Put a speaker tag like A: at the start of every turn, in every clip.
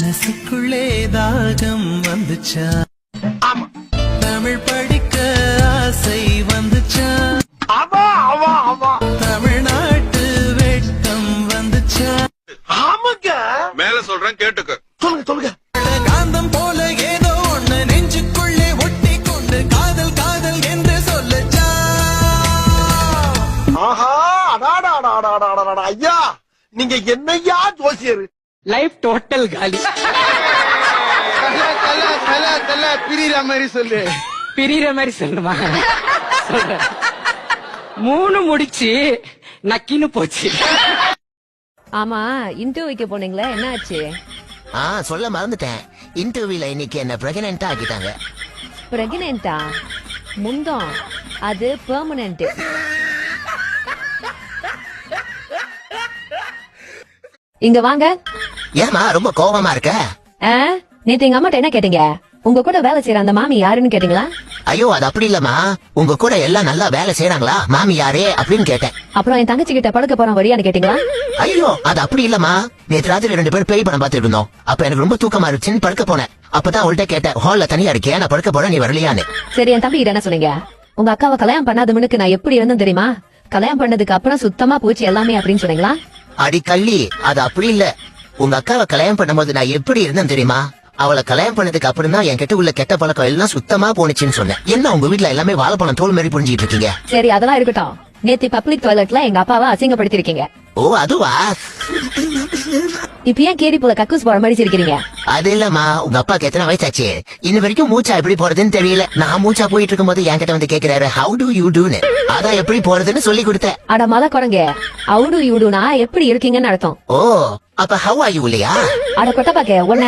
A: மனசுக்குள்ளே தாகம் வந்துச்சா, தமிழ் படிக்க ஆசை வந்துச்சா, தமிழ்நாட்டு வெட்கம் வந்துச்சா.
B: மேல சொல்றேன் கேட்டுக்க.
C: சொல்லுங்க.
A: காந்தம் போல ஏதோ ஒண்ணு நெஞ்சுக்குள்ளே ஒட்டி கொண்டு காதல் காதல் என்று சொல்லச்சா.
C: ஆஹா, ஐயா நீங்க என்னையா ஜோசியர்?
D: லைஃப் டோட்டல் காலி.
C: பிரிகிற மாதிரி சொல்லு.
D: பிரிகிற மாதிரி சொல்லுமா? 3 முடிச்சு நக்கின்னு போச்சு.
E: ஆமா, இன்டர்வியூக்கு போனீங்களா, என்ன ஆச்சு?
F: சொல்ல மறந்துட்டேன். இன்டர்வியூல இன்னைக்கு என்ன பிரெக்னன்ட் ஆக்கிட்டாங்க.
E: பிரெக்னன்ட்டா? முந்தம் அது பெர்மனன்ட். இங்க வாங்க.
F: ஏமா ரொம்ப கோபமா இருக்க?
E: நேத்து எங்க அம்மாட்ட என்ன கேட்டீங்க? உங்க கூட வேலை செய்யற அந்த மாமி யாருன்னு கேட்டீங்களா?
F: ஐயோ அது அப்படி இல்லம்மா, உங்க கூட எல்லாம் நல்லா வேலை செய்யறாங்களா, மாமி யாரே அப்படின்னு கேட்டேன்.
E: அப்புறம் என் தங்கச்சி கிட்ட படுக்க போறோம் வழியான்னு கேட்டீங்களா?
F: ஐயோ அது அப்படி இல்லம்மா, நேற்று ராத்திரி 2 பேரும் பேய் படம் பார்த்துட்டு இருந்தோம். அப்ப எனக்கு ரொம்ப தூக்கமா இருந்துச்சுன்னு படுக்க போனேன். அப்பதான் அவள்கிட்ட கேட்டேன், ஹால்ல தனியா இருக்கே, நான் படுக்க போறேன், நீ வரலையான்னு.
E: சரி, என் தம்பி கிட்ட என்ன சொன்னீங்க? உங்க அக்காவை கல்யாணம் பண்ணாத முன்னுக்கு நான் எப்படி இருந்தேன் தெரியுமா? கல்யாணம் பண்ணதுக்கு அப்புறம் சுத்தமா போச்சு எல்லாமே அப்படின்னு சொன்னீங்களா?
F: அடி கள்ளி, அது அப்படி இல்ல. உங்க அக்காவை கல்யாணம் பண்ணும்போது நான் எப்படி இருந்தேன் தெரியுமா? அவளை கல்யாணம் பண்ணதுக்கு அப்புறம் தான் என் கிட்ட உள்ள கெட்ட பழக்கம் எல்லாம் சுத்தமா போனுச்சுன்னு சொன்னேன். என்ன உங்க வீட்டுல எல்லாமே வாழைப்பழம் தோல் மாதிரி புரிஞ்சிட்டு இருக்கீங்க?
E: சரி, அதெல்லாம் இருக்கட்டும். நேத்து பப்ளிக் டாய்லெட்ல எங்க அப்பாவை அசிங்கப்படுத்திருக்கீங்க.
F: ஓ அதுவா?
E: இப்ப ஏன் கேரி போல கக்கூஸ் போற மாதிரி சிரிக்கிறீங்க?
F: அது இல்லம்மா, உங்க அப்பாக்கு எத்தனை வயசாச்சு? இன்ன வரைக்கும் மூச்சா எப்படி போறதுன்னு தெரியல. நான் மூச்சா போயிட்டு இருக்கும் போது என்கிட்ட வந்து கேக்குறாரு, ஹவு டு யூ டூன்னு. அதான் எப்படி போறதுன்னு சொல்லி கொடுத்தேன்.
E: அட மத குரங்க, ஹவு டு யூ டூனா எப்படி இருக்கீங்கன்னு அர்த்தம்.
F: ஓ அப்ப ஹவ் ஆர் யூ இல்லையா?
E: அட கொட்ட பாக்க ஒன்ன.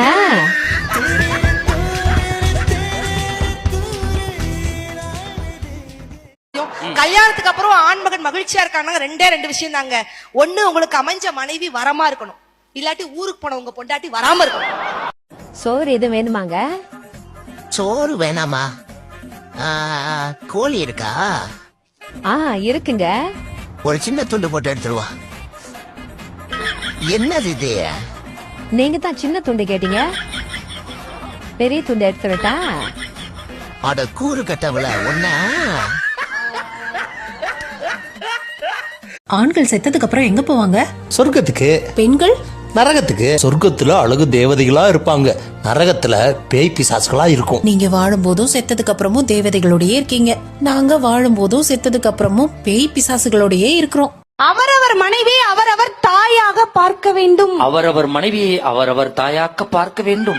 G: கல்யாணத்துக்கு அப்புறம் ஆண்மகன் மகிழ்ச்சியா இருக்காங்க 2 விஷயம் தாங்க. ஒண்ணு, உங்களுக்கு அமைஞ்ச மனைவி வரமா இருக்கணும், இல்லாட்டி ஊருக்கு போன உங்க பொண்டாட்டி வராம இருக்கணும்.
E: சோறு எது வேணுமாங்க?
F: சோறு வேணாமா? கோழி இருக்கா?
E: இருக்குங்க.
F: ஒரு சின்ன துண்டு போட்டு எடுத்துருவா. என்னது இது?
E: நீங்க தான் சின்ன துண்டு கேட்டீங்க, பெரிய துண்டு எடுத்துட்டா.
F: அட கூறு கட்டவள ஒன்ன.
H: ஆண்கள் செத்ததுக்கு அப்புறம் எங்க போவாங்க?
I: சொர்க்கத்துக்கு.
H: பெண்கள்
I: நரகத்துக்கு. சொர்க்கத்துல அழகு தேவதைகளா இருப்பாங்க, நரகத்துல பேய் பிசாசுகளா இருக்கும்.
H: நீங்க வாழும் போதும் செத்ததுக்கு அப்புறமும் தேவதைகளோடயே இருக்கீங்க, நாங்க வாழும் போதும் செத்ததுக்கு அப்புறமும் பேய் பிசாசுகளோடயே இருக்கிறோம்.
G: அவரவர் மனைவி அவரவர் தாயாக பார்க்க வேண்டும்.
D: அவரவர் மனைவியை அவரவர் தாயாக்க பார்க்க வேண்டும்.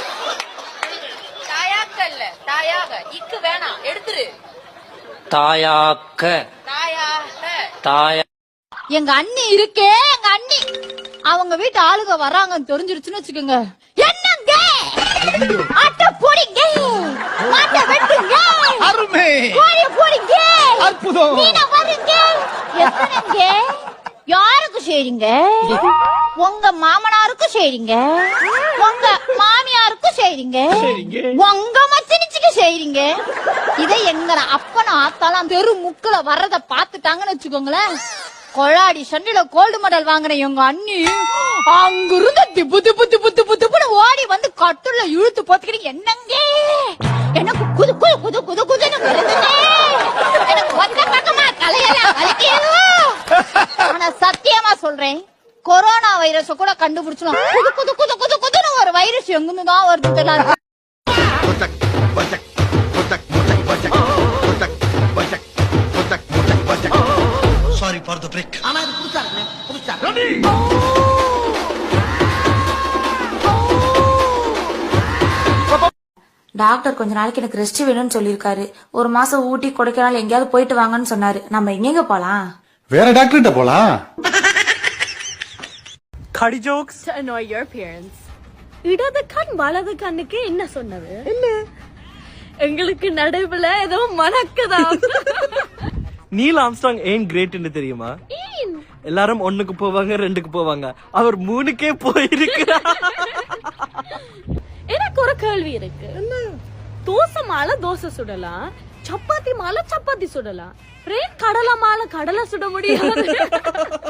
G: தாயாக்க இல்ல, தாயாக. இக்கு வேணாம், எடுத்துரு.
D: தாயாக்க. தாயா.
J: எங்க அண்ணி இருக்கே, எங்க அண்ணி அவங்க வீட்டு ஆளுங்க வர்றாங்கன்னு தெரிஞ்சிருச்சுன்னு வச்சுக்கோங்க, என்னங்க ஆட்ட போடிங்க, மாட்ட வெட்டுங்க,
C: அருமை
J: கோழி போடிங்க,
C: அற்புதம்,
J: மீன வருங்க. எத்தனைங்க? யாருக்கு செய்றீங்க? உங்க மாமனாருக்கு செய்றீங்க, உங்க மாமியாருக்கு செய்றீங்க, உங்க மச்சனிச்சுக்கு செய்றீங்க. இதை எங்க அப்பனும் ஆத்தாலாம் தெரு முக்குல வர்றத பாத்துட்டாங்கன்னு வச்சுக்கோங்களேன், கொழாடி சண்டில கோல்டு மெடல் வாங்கின எங்க அண்ணி அங்கிருந்து திப்பு திப்பு திப்பு திப்பு திப்புன்னு ஓடி வந்து கட்டுல இழுத்து போத்துக்கிட்டு, என்னங்க எனக்கு குது குது குது குது குதுன்னு வருதுங்க, எனக்கு ஒத்த பக்கமா தலையெல்லாம் வலிக்குது. ஆனா சத்தியமா சொல்றேன், கொரோனா வைரஸ் கூட கண்டுபிடிச்சோம், குது குது குது குது குதுன்னு ஒரு வைரஸ் எங்கிருந்து தான் வருது தெரியல.
A: Sorry for the break.
G: ஆனா இது புதுசா இருக்குங்க, புதுசா.
K: டாக்டர் கொஞ்ச நாளைக்கு எனக்கு ரெஸ்ட் வேணும்னு சொல்லிருக்காரு. 1 மாசம் ஊட்டி கொடைக்கானல் எங்கேயாவது போயிட்டு வாங்கன்னு சொன்னாரு. நம்ம எங்க போலாம்?
I: வேற டாக்டர்கிட்ட போலாம்.
D: கடி jokes.
J: To annoy your parents. இடது கண் வலது கண்ணுக்கு என்ன சொன்னது? இல்ல, எங்களுக்கு நடுவுல ஏதோ மணக்குதா.
D: நீல் ஆம்ஸ்ட்ராங் ஏன் கிரேட்னு தெரியுமா? எல்லாரும் 1க்கு போவாங்க, 2க்கு போவாங்க, அவர் 3க்கே போயிருக்கிறார்.
J: எனக்கு ஒரு கேள்வி இருக்கு. தோசை மாலை தோசை சுடலாம், சப்பாத்தி மாலை சப்பாத்தி சுடலாம், கடலை மாலை கடலை சுட முடியாது.